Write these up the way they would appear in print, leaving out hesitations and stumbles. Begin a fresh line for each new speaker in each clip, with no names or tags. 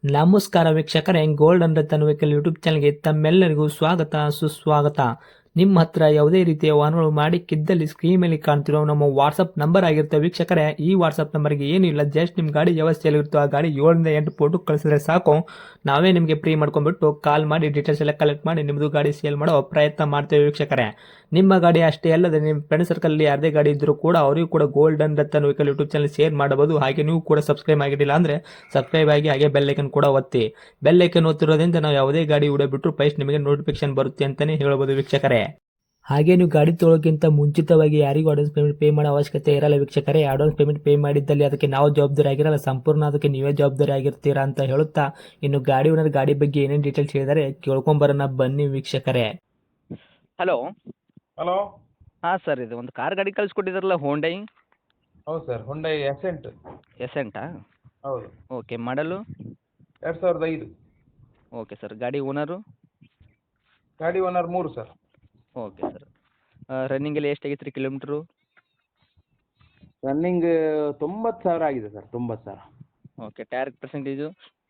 ನಮಸ್ಕಾರ ವೀಕ್ಷಕರೇ, gold and Ratan vehicle YouTube ಚಾನಲ್ಗೆ ತಮ್ಮೆಲ್ಲರಿಗೂ ಸ್ವಾಗತ ಸುಸ್ವಾಗತ. ನಿಮ್ಮ ಹತ್ರ ಯಾವುದೇ ರೀತಿಯ ವಾಹನಗಳು ಮಾಡಿಕ್ಕಿದ್ದಲ್ಲಿ ಸ್ಕ್ರೀನ್ ಮೇಲೆ ಕಾಣ್ತಿರೋ ನಮ್ಮ ವಾಟ್ಸಪ್ ನಂಬರ್ ಆಗಿರುತ್ತೆ ವೀಕ್ಷಕರೇ. ಈ ವಾಟ್ಸಪ್ ನಂಬರ್ಗೆ ಏನಿಲ್ಲ, ಜಸ್ಟ್ ನಿಮ್ಮ ಗಾಡಿ ವ್ಯವಸ್ಥೆಯಲ್ಲಿರುತ್ತೋ ಆ ಗಾಡಿ 7 ರಿಂದ 8 ಫೋಟೋ ಕಳಿಸಿದ್ರೆ ಸಾಕು, ನಾವೇ ನಿಮಗೆ ಫ್ರೀ ಮಾಡ್ಕೊಂಡ್ಬಿಟ್ಟು ಕಾಲ್ ಮಾಡಿ ಡೀಟೇಲ್ಸ್ ಎಲ್ಲ ಕಲೆಕ್ಟ್ ಮಾಡಿ ನಿಮ್ಮದು ಗಾಡಿ ಸೇಲ್ ಮಾಡೋ ಪ್ರಯತ್ನ ಮಾಡ್ತೇವೆ ವೀಕ್ಷಕರೇ. ನಿಮ್ಮ ಗಾಡಿ ಅಷ್ಟೇ ಅಲ್ಲದೆ ನಿಮ್ಮ ಫ್ರೆಂಡ್ ಸರ್ಕಲ್ ಯಾರದೇ ಗಾಡಿ ಇದ್ದರೂ ಕೂಡ ಅವರಿಗೂ ಕೂಡ gold and Ratan vehicle YouTube channel share ಮಾಡಬಹುದು. ಹಾಗೆ ನೀವು ಕೂಡ ಸಬ್ಸ್ಕ್ರೈಬ್ ಆಗಿರಲಿಲ್ಲ ಅಂದರೆ ಸಬ್ಸ್ಕ್ರೈಬ್ ಆಗಿ ಹಾಗೆ ಬೆಲ್ ಐಕನ್ ಕೂಡ ಒತ್ತಿ. ಬೆಲ್ ಐಕನ್ ಒತ್ತಿರೋದ್ರಿಂದ ನಾವು ಯಾವುದೇ ಗಾಡಿ ವಿಡಿಯೋ ಬಿಟ್ಟರು ಫಸ್ಟ್ ನಿಮಗೆ ನೋಟಿಫಿಕೇಶನ್ ಬರುತ್ತೆ ಅಂತಾನೆ ಹೇಳ್ಬೋದು ವೀಕ್ಷಕರೇ. ಹಾಗೆ ನೀವು ಗಾಡಿ ತೊಳೋಕ್ಕಿಂತ ಮುಂಚಿತವಾಗಿ ಯಾರಿಗೂ ಅಡ್ವಾನ್ಸ್ ಪೇಮೆಂಟ್ ಪೇ ಮಾಡೋ ಅವಶ್ಯಕತೆ ಇರಲ್ಲ ವೀಕ್ಷಕರೇ. ಅಡ್ವಾನ್ಸ್ ಪೇಮೆಂಟ್ ಪೇ ಮಾಡಿದ್ದಲ್ಲಿ ಅದಕ್ಕೆ ನಾವು ಜವಾಬ್ದಾರಿ ಆಗಿರಲ್ಲ, ಸಂಪೂರ್ಣ ಅದಕ್ಕೆ ನೀವೇ ಜವಾಬ್ದಾರಿ ಆಗಿರ್ತೀರಾ ಅಂತ ಹೇಳುತ್ತಾ, ಇನ್ನು ಗಾಡಿ ಓನರ್ ಗಾಡಿ ಬಗ್ಗೆ ಏನೇನು ಡೀಟೇಲ್ಸ್ ಹೇಳಿದರೆ ಕೇಳ್ಕೊಂಬರೋಣ ಬನ್ನಿ ವೀಕ್ಷಕರೇ.
ಹಲೋ.
ಹಲೋ.
ಹಾಂ ಸರ್, ಇದು ಒಂದು ಕಾರ್ ಗಾಡಿ ಕಳಿಸ್ಕೊಟ್ಟಿದ್ರಲ್ಲ, ಹೋಂಡೈ
ಹೌದು ಸರ್, ಹುಂಡೈ ಎಸೆಂಟ್.
ಎಸೆಂಟಾ?
ಹೌದು.
Okay, model
2005.
Okay sir. ಗಾಡಿ ಓನರು?
ಗಾಡಿ ಓನರ್ 3 ಸರ್.
Okay sir. ರನ್ನಿಂಗಲ್ಲಿ ಎಷ್ಟಾಗೈತೆ ರೀ ಕಿಲೋಮೀಟ್ರು?
ರನ್ನಿಂಗ್ 90,000 ಆಗಿದೆ sir, 90,000.
Okay, tyre percentage?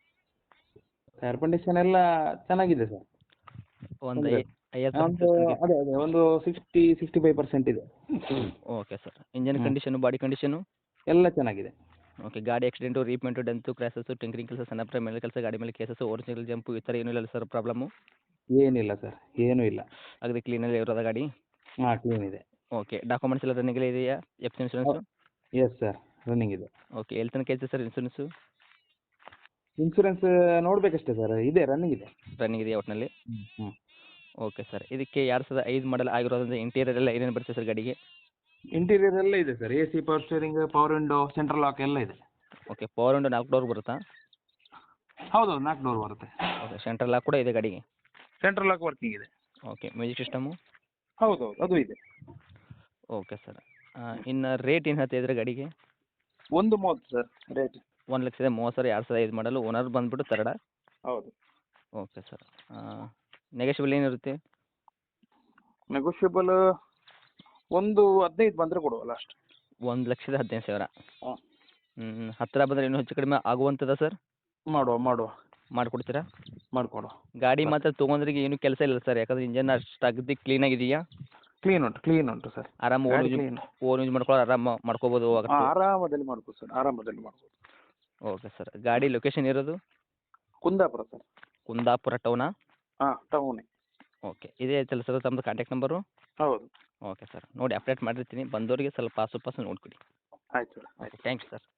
Air condition ಎಲ್ಲ ಚೆನ್ನಾಗಿದೆ ಸರ್.
ಒಂದು
ಅಂದ್ರೆ
50.
ಅದೇ ಒಂದು 65% ಇದೆ.
Okay sir. Engine condition, body condition
ಎಲ್ಲ ಚೆನ್ನಾಗಿದೆ.
ಓಕೆ. ಗಾಡಿ accident, repaint, dent, crashes, tinkering ಕೆಲಸ, ಸಣ್ಣ ಪ್ರೈಮ್ ಮೇಲೆ ಕೆಲಸ, ಗಾಡಿ ಮೇಲೆ ಕೇಸಸ್ಸು, ಒರಿಜಿನಲ್ ಜಂಪು ಈ ಥರ ಏನೂ ಇಲ್ಲ ಸರ್ ಪ್ರಾಬ್ಲಮ್ಮು?
ಏನಿಲ್ಲ ಸರ್, ಏನೂ ಇಲ್ಲ.
ಅಗದಿ ಕ್ಲೀನಲ್ಲಿ ಇರೋದ ಗಾಡಿ?
ಹಾಂ, ಕ್ಲೀನ್ ಇದೆ.
ಓಕೆ. ಡಾಕ್ಯುಮೆಂಟ್ಸ್ ಎಲ್ಲ ರನ್ನಿಂಗಲ್ಲಿ ಇದೆಯಾ? F C insurance?
Yes sir, running ಇದೆ.
ಓಕೆ. ಎಲ್ಲಿ ತನಕ ಐತೆ ಸರ್ ಇನ್ಶೂರೆನ್ಸು?
ಇನ್ಸೂರೆನ್ಸ್ ನೋಡಬೇಕಷ್ಟೇ ಸರ್, ಇದೆ, ರನ್ನಿಂಗ್ ಇದೆ.
ರನ್ನಿಂಗ್ ಇದೆಯಾ ಒಟ್ಟಿನಲ್ಲಿ?
ಹ್ಞೂ.
Okay sir. ಇದಕ್ಕೆ 2005 ಮಾಡಲ್ ಆಗಿರೋದ್ರಿಂದ ಇಂಟೀರಿಯರ್ ಎಲ್ಲ ಏನೇನು ಬರುತ್ತೆ ಸರ್ ಗಾಡಿಗೆ?
ಇಂಟೀರಿಯರ್ ಎಲ್ಲ ಇದೆ sir, AC, power steering, power window, central lock ಎಲ್ಲ ಇದೆ.
ಓಕೆ. ಪವರ್ ವಿಂಡೋ 4 ಡೋರ್ ಬರುತ್ತಾ?
ಹೌದು, 4 ಡೋರ್ ಬರುತ್ತೆ.
ಓಕೆ. ಸೆಂಟ್ರಲ್ ಲಾಕ್ ಕೂಡ ಇದೆ ಗಾಡಿಗೆ?
ಸೆಂಟ್ರಲ್ ಲಾಕ್ ವರ್ಕಿಂಗ್ ಇದೆ.
ಓಕೆ. Music system?
ಹೌದು, ಅದು ಇದೆ.
Okay sir. ಇನ್ನು ರೇಟ್ ಏನು ಹೇಳ್ತಿದ್ರೆ ಗಾಡಿಗೆ?
1.30 ಸರ್ ರೇಟ್.
1,30,000 2005 ಮಾಡಲು. ಓನರ್ ಬಂದುಬಿಟ್ಟು ತರ್ಡ?
ಹೌದು.
Okay sir. ನೆಗೋಷಿಯಬಲ್ ಏನಿರುತ್ತೆ?
ನೆಗೋಷಿಯಬಲ್ 1.15 ಬಂದರೆ ಕೊಡುವ ಲಾಸ್ಟ್.
1,15,000?
ಹಾಂ.
ಹತ್ತಿರ ಬಂದರೆ ಇನ್ನೂ ಹೆಚ್ಚು ಕಡಿಮೆ ಆಗುವಂಥದ್ದು ಸರ್?
ಮಾಡುವ
ಮಾಡಿಕೊಡ್ತೀರಾ?
ಮಾಡಿಕೊಡುವ.
ಗಾಡಿ ಮಾತ್ರ ತೊಗೊಂಡ್ರಿಗೆ ಏನೂ ಕೆಲಸ ಇಲ್ಲ ಸರ್, ಯಾಕಂದರೆ ಇಂಜನ್ ಅಷ್ಟು ಅಗದಿ ಕ್ಲೀನಾಗಿದೆಯಾ?
ಕ್ಲೀನ್ ಉಂಟು ಸರ್.
ಆರಾಮ ಓನ್ ಯೂಸ್ ಮಾಡ್ಕೊಳ್ಳೋ ಆರಾಮ ಮಾಡ್ಕೋಬೋದು.
ಆರಾಮದಲ್ಲಿ ಮಾಡ್ಬೋದು ಸರ್, ಆರಾಮದಲ್ಲಿ ಮಾಡ್ಬೋದು.
Okay sir. ಗಾಡಿ ಲೊಕೇಶನ್ ಇರೋದು?
ಕುಂದಾಪುರ ಸರ್.
ಕುಂದಾಪುರ ಟೌನಾ?
ಹಾಂ, ಟೌನೇ.
ಓಕೆ. ಇದೇ ಐತಲ್ಲ ಸರ್ ತಮ್ಮದು ಕಾಂಟ್ಯಾಕ್ಟ್ ನಂಬರು?
ಹೌದು.
Okay sir. ನೋಡಿ ಅಪ್ಡೇಟ್ ಮಾಡಿರ್ತೀನಿ, ಬಂದವರಿಗೆ ಸ್ವಲ್ಪ ಆಸು ಪಾಸು ನೋಡಿಕೊಡಿ.
ಆಯ್ತು ಸರ್.
ಓಕೆ. Thanks sir.